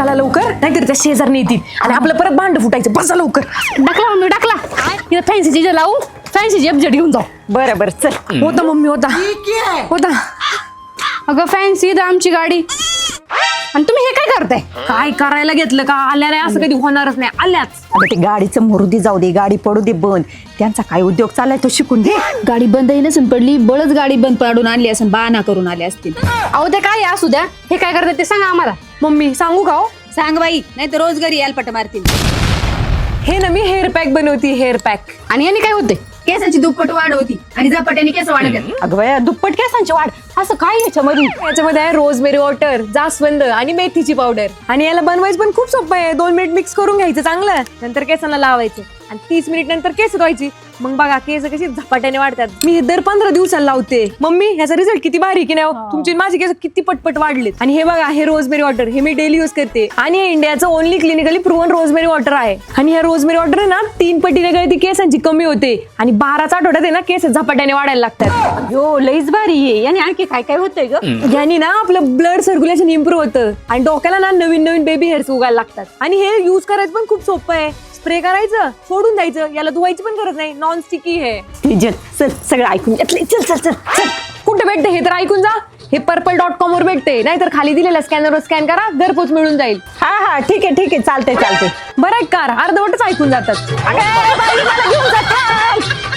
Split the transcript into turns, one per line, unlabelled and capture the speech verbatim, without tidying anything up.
चला लवकर, नाहीतर त्या शेजारने येतील आणि आपलं परत भांड फुटायचं. बसा लवकर.
टाकला मम्मी टाकला. इथं फॅन्सी चीज लावू, फॅन्सी जेबजेट घेऊन जाऊ.
बरं बरं चल. होता मम्मी होता होता.
अगं फॅन्सी इथं आमची गाडी आणि तुम्ही हे काय करताय?
काय करायला घेतलं का? आल्या नाही असं कधी होणारच नाही. आल्याच.
अगं ते गाडीचं मुरुदी जाऊ दे, गाडी पडू दे बंद. त्यांचा काय उद्योग चाललाय तो शिकून घे.
गाडी बंदही नसून पडली, बळच गाडी बंद पाडून आणली असेल, बाना करून आले असतील. अहो ते काय असू द्या, हे काय करतात ते सांगा आम्हाला.
मम्मी सांगू का हो?
सांग बाई, नाही तर रोज घरी यायला पट मारतील.
हे ना मी हेअर पॅक बनवती. Hair pack.
आणि याने काय होते? केसाची दुप्पट वाढ होती आणि झपाट्याने केस वाढत.
अगं बाया, दुप्पट केसांची वाढ असं काय याच्यामध्ये?
याच्यामध्ये आहे रोजमेरी वॉटर, जास्वंद आणि मेथीची पावडर. आणि याला बनवायचं पण खूप सोपं आहे. दोन मिनिट मिक्स करून घ्यायचं चांगलं, नंतर केसांना लावायचं आणि तीस मिनिट नंतर केस धुवायची. मग बघा केस कशी झपाट्याने वाढतात. मी हे दर पंधरा दिवसाला लावते. मम्मी ह्याचा रिझल्ट किती भारी की नाही? तुमची माझी केस किती पटपट वाढलेत. आणि हे बघा, हे रोजमेरी वॉटर हे मी डेली यूज करते आणि हे इंडियाचं only clinically proven rosemary water आहे. आणि ह्या रोजमेरी वॉटर आहे ना तीन पटीने गळती केसांची कमी होते आणि बाराचा आठवड्यात आहे ना केस झपाट्याने वाढायला लागतात.
हो लईच भारी आहे. आणि आणखी काय काय होतंय ग?
यानी ना आपलं ब्लड सर्क्युलेशन इम्प्रूव्ह होतं आणि डोक्याला ना नवीन नवीन बेबी हेअर्स उगायला लागतात. आणि हे युज करायचं पण खूप सोपं आहे. स्प्रे करायचं, सोडून द्यायचं. याला धुवायची पण गरज नाही. नॉन स्टिकी आहे.
चल सगळं ऐकून घेतलंय. चल चल चल चल.
कुठे भेटते हे तर ऐकून जा. हे पर्पल डॉट कॉम वर भेटते, नाहीतर खाली दिलेल्या स्कॅनरवर स्कॅन करा, घरपोच मिळून जाईल.
हा हा ठीक आहे ठीक आहे चालतंय चालतंय.
बरं आहे कार अर्धवटच ऐकून जातात.
अगं बाई, मला घेऊन जा.